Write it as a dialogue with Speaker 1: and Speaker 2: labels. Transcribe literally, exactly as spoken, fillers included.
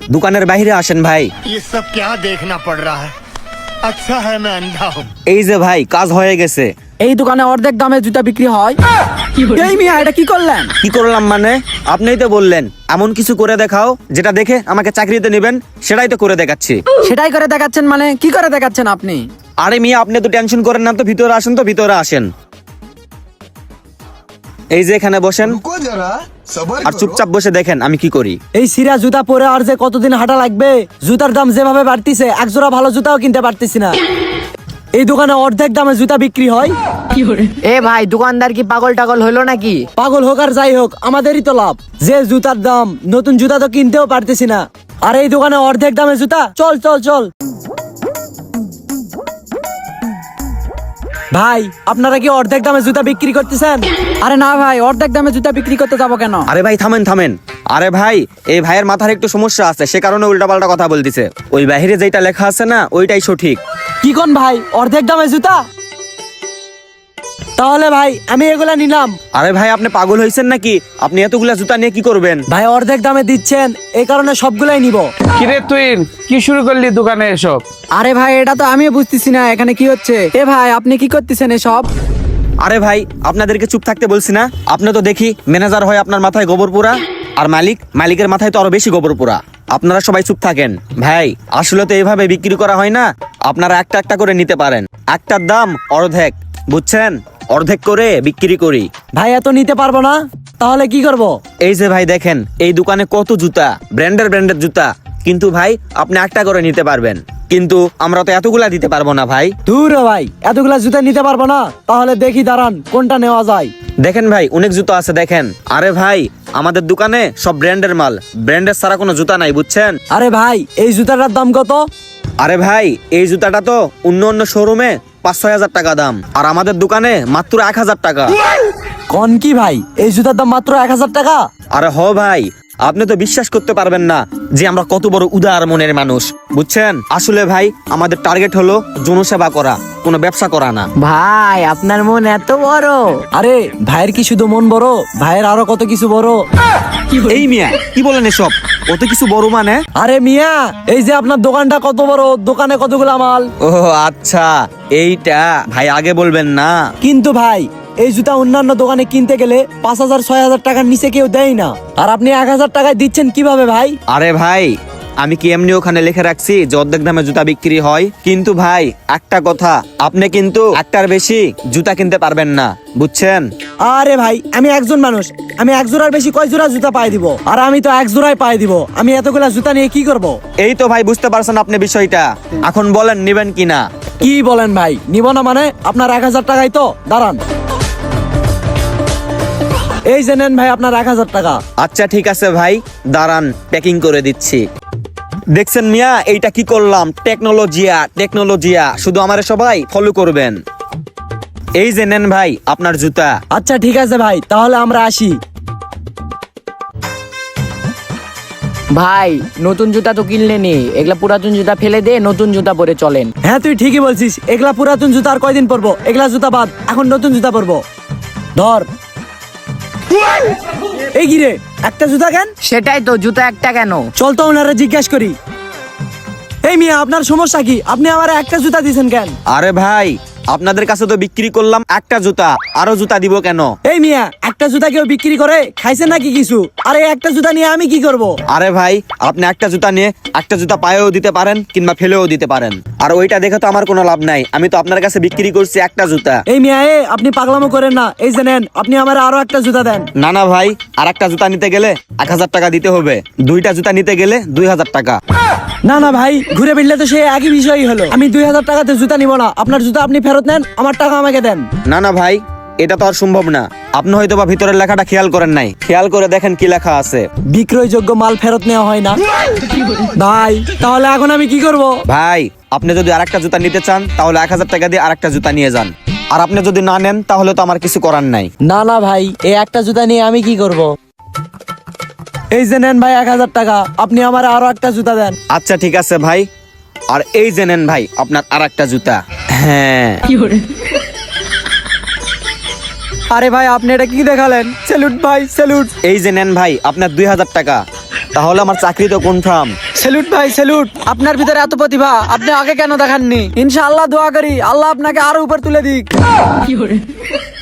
Speaker 1: দোকানের বাইরে আসেন ভাই।
Speaker 2: ये सब क्या देखना पड़ रहा है? अच्छा है मैं अंधा हूँ।
Speaker 1: এই যে ভাই কাজ হয়ে গেছে।
Speaker 3: এই দোকানে অর্ধেক দামে জুতা বিক্রি হয়। এই মিয়া এটা কি করলেন?
Speaker 1: কি করলাম মানে? আপনিই তো বললেন এমন কিছু করে দেখাও যেটা দেখে আমাকে চাকরিতে নেবেন, সেটাই তো করে দেখাচ্ছি।
Speaker 3: সেটাই করে দেখাচ্ছেন মানে কি করে দেখাচ্ছেন আপনি?
Speaker 1: আরে মিয়া আপনি তো টেনশন করেন না তো, ভিতরে আসেন তো, ভিতরে আসেন। এই যে এখানে বসেন আর চুপচাপ বসে দেখেন আমি কি করি।
Speaker 3: এই সিরা জুতা পরে আর যে কতদিন হাঁটা লাগবে, জুতার দাম যেভাবে বাড়তিছে এক জোড়া ভালো জুতাও কিনতে পারতেছি না। এই দোকানে অর্ধেক দামে জুতা বিক্রি হয়।
Speaker 4: এ ভাই দোকানদার কি পাগল টাগল হলো নাকি?
Speaker 3: পাগল হোক আর যাই হোক আমাদেরই তো লাভ। যে জুতার দাম, নতুন জুতা তো কিনতেও পারতেছি না, আর এই দোকানে অর্ধেক দামে জুতা। চল চল চল ভাই, আপনারা কি অর্ধেক দামে জুতা বিক্রি করতেছেন? আরে না ভাই, অর্ধেক দামে জুতা বিক্রি করতে যাবো কেন?
Speaker 1: আরে ভাই থামেন থামেন। আরে ভাই এই ভাইয়ের মাথার একটু সমস্যা আছে, সে কারণে উল্টাপাল্টা কথা বলতেছে। ওই বাহিরে যেটা লেখা আছে না ওইটাই সঠিক।
Speaker 3: কি কোন ভাই, অর্ধেক দামে জুতা? তাহলে ভাই আমি এগুলা নিলাম।
Speaker 1: আরে ভাই আপনি পাগল হয়েছেন নাকি? আপনি এতগুলা জুতা নিয়ে কি করবেন?
Speaker 3: ভাই অর্ধেক দামে দিচ্ছেন, এই কারণে সবগুলাই নিব।
Speaker 5: কিরে তুই কি শুরু করলি দোকানে এসব?
Speaker 3: আরে ভাই এটা তো আমিও বুঝতেছি না এখানে কি হচ্ছে। এ ভাই আপনি কি করতেছেন এসব?
Speaker 1: আরে ভাই আপনাদেরকে চুপ থাকতে বলছি না? আপনি তো দেখি ম্যানেজার হয় আপনার মাথায় গোবর পোড়া, আর মালিক মালিকের মাথায় তো আরো বেশি গোবর পোড়া। আপনারা সবাই চুপ থাকেন। ভাই আসলে তো এইভাবে বিক্রি করা হয় না, আপনারা একটা একটা করে নিতে পারেন। একটার দাম অর্ধেক, বুঝছেন? অর্ধেক করে বিক্রি করি।
Speaker 3: ভাই এত নিতে পারবো না, তাহলে কি করব?
Speaker 1: এই যে ভাই দেখেন এই দোকানে কত জুতা, ব্র্যান্ডের ব্র্যান্ডের জুতা, কিন্তু ভাই আপনি একটা করে নিতে পারবেন, কিন্তু আমরা তো এতগুলা দিতে পারবো না ভাই।
Speaker 3: দূর হ ভাই, এতগুলা জুতা নিতে পারবো না, তাহলে দেখি দাঁড়ান কোনটা নেওয়া যায়।
Speaker 1: দেখেন ভাই অনেক জুতো আছে দেখেন। আরে ভাই আমাদের দোকানে সব ব্র্যান্ডের মাল, ব্র্যান্ডের ছাড়া কোনো জুতা নাই, বুঝছেন?
Speaker 3: আরে ভাই এই জুতাটার দাম কত?
Speaker 1: আরে ভাই এই জুতাটা তো অন্য অন্য শোরুমে পাঁচ ছয় হাজার টাকা দাম, আর আমাদের দোকানে মাত্র এক হাজার টাকা।
Speaker 3: কোন কি ভাই, এই জুতার দাম মাত্র এক হাজার টাকা?
Speaker 1: আরে হ ভাই, আপনি তো বিশ্বাস করতে পারবেন না যে আমরা কত বড় উদার মনের মানুষ, বুঝছেন? আসলে ভাই আমাদের টার্গেট হলো জনসেবা করা, কোনো ব্যবসা করা না।
Speaker 4: ভাই আপনার মন এত বড়?
Speaker 3: আরে ভাইয়ের কি শুধু মন বড়, ভাইয়ের আরো কত কিছু বড়।
Speaker 1: এই মিয়া কি বলেন এসব? কত কিছু বড় মানে?
Speaker 3: আরে মিয়া এই যে আপনার দোকানটা কত বড়, দোকানে কতগুলা মাল।
Speaker 1: ও আচ্ছা এইটা ভাই আগে বলবেন না।
Speaker 3: কিন্তু ভাই এই জুতা অন্যান্য দোকানে কিনতে গেলে পাঁচ হাজার ছয় হাজার টাকার নিচে কেউ দেয় না, আর আপনি এক হাজার টাকায় দিচ্ছেন কিভাবে ভাই?
Speaker 1: আরে ভাই আমি কি এমনি ওখানে লিখে রাখছি যে অর্ধেক দামে জুতা বিক্রি হয়? কিন্তু ভাই একটা কথা, আপনি কিন্তু একটার বেশি জুতা কিনতে পারবেন না, বুঝছেন?
Speaker 3: আরে ভাই আমি একজন মানুষ, আমি এক জোড়ার বেশি কয় জোড়া জুতা পাই দিব? আর আমি তো এক জোড়াই পাই দিব, আমি এতগুলা জুতা নিয়ে কি করব?
Speaker 1: এই তো ভাই বুঝতে পারছেন আপনি বিষয়টা, এখন বলেন নিবেন কিনা?
Speaker 3: কি বলেন ভাই, নিব না মানে? আপনার এক হাজার টাকাই তো, দাঁড়ান এই যে নেন ভাই আপনার এক হাজার টাকা।
Speaker 1: আচ্ছা ঠিক আছে ভাই দাঁড়ান প্যাকিং করে দিচ্ছি। দেখছেন মিয়া এইটা কি করলাম? টেকনোলজিয়া টেকনোলজিয়া, শুধু আমারে সবাই ফলো করবেন। এই যে নেন ভাই আপনার জুতা।
Speaker 3: আচ্ছা ঠিক আছে ভাই, তাহলে আমরা আসি।
Speaker 4: ভাই নতুন জুতা তো কিনলে নি, এগুলা পুরাতন জুতা ফেলে দে, নতুন জুতা পরে চলেন।
Speaker 3: হ্যাঁ তুই ঠিকই বলছিস, এগুলা পুরাতন জুতা আর কয়দিন পরবো, এগুলা জুতা বাদ, এখন নতুন জুতা পরবো। ধর। এই গিরে একটা জুতা কেন?
Speaker 4: সেটাই তো, জুতা একটা কেন?
Speaker 3: চল তো ওনারা জিজ্ঞাসা করি। এই মিয়া আপনার সমস্যা কি? আপনি আমার একটা জুতা দিয়েছেন কেন?
Speaker 1: আরে ভাই আপনাদের কাছে তো বিক্রি করলাম একটা জুতা, আরো জুতা দিব কেন?
Speaker 3: এই মিয়া একটা জুতা কেউ বিক্রি করে? খাইছে নাকি কিছু? আরে একটা জুতা নিয়ে আমি কি করব?
Speaker 1: আরে ভাই আপনি একটা জুতা নিয়ে একটা জুতা পায়েও দিতে পারেন কিংবা ফেলেও দিতে পারেন, আর ওইটা দেখে তো আমার কোনো লাভ নাই, আমি তো আপনার কাছে বিক্রি করছি একটা জুতা।
Speaker 3: এই মিয়া এ আপনি পাগলামো করেন না, এই যে নেন আপনি আমার আরো একটা জুতা দেন।
Speaker 1: না না ভাই, আর একটা জুতা নিতে গেলে এক হাজার টাকা দিতে হবে, দুইটা জুতা নিতে গেলে দুই হাজার টাকা।
Speaker 3: না না ভাই, ঘুরে ফিরলে তো সেই একই বিষয়ই হলো। আমি দুই হাজার টাকাতে জুতা নিব না, আপনার জুতা আপনি ফেরত নেন, আমার টাকা আমাকে দেন।
Speaker 1: না না ভাই এটা তো আর সম্ভব না, আপনি হয়তো বা ভিতরের লেখাটা খেয়াল করেন নাই, খেয়াল করে দেখেন কি লেখা আছে।
Speaker 3: বিক্রয়যোগ্য মাল ফেরত নেওয়া হয় না। ভাই তাহলে এখন আমি কি করব?
Speaker 1: ভাই আপনি যদি আরেকটা জুতা নিতে চান তাহলে এক হাজার টাকা দিয়ে আরেকটা জুতা নিয়ে যান, আর আপনি যদি না নেন তাহলে তো আমার কিছু করার নাই।
Speaker 3: না না ভাই, এই একটা জুতা নিয়ে আমি কি করব? এই যে নেন ভাই এক হাজার টাকা, আপনি আমার আরো একটা জুতা দেন।
Speaker 1: আচ্ছা ঠিক আছে ভাই, আর এই যে নেন ভাই আপনার আর একটা জুতা। হ্যাঁ
Speaker 3: আরে ভাই আপনি এটা কি দেখালেন? স্যালুট ভাই স্যালুট।
Speaker 1: এই যে নেন ভাই আপনার দুই হাজার টাকা। তাহলে আমার চাকরি তো কনফার্ম।
Speaker 3: স্যালুট ভাই স্যালুট, আপনার ভিতরে এত প্রতিভা, আপনি আগে কেন দেখাননি? ইনশাআল্লাহ দোয়া করি আল্লাহ আপনাকে আরো উপর তুলে দিক।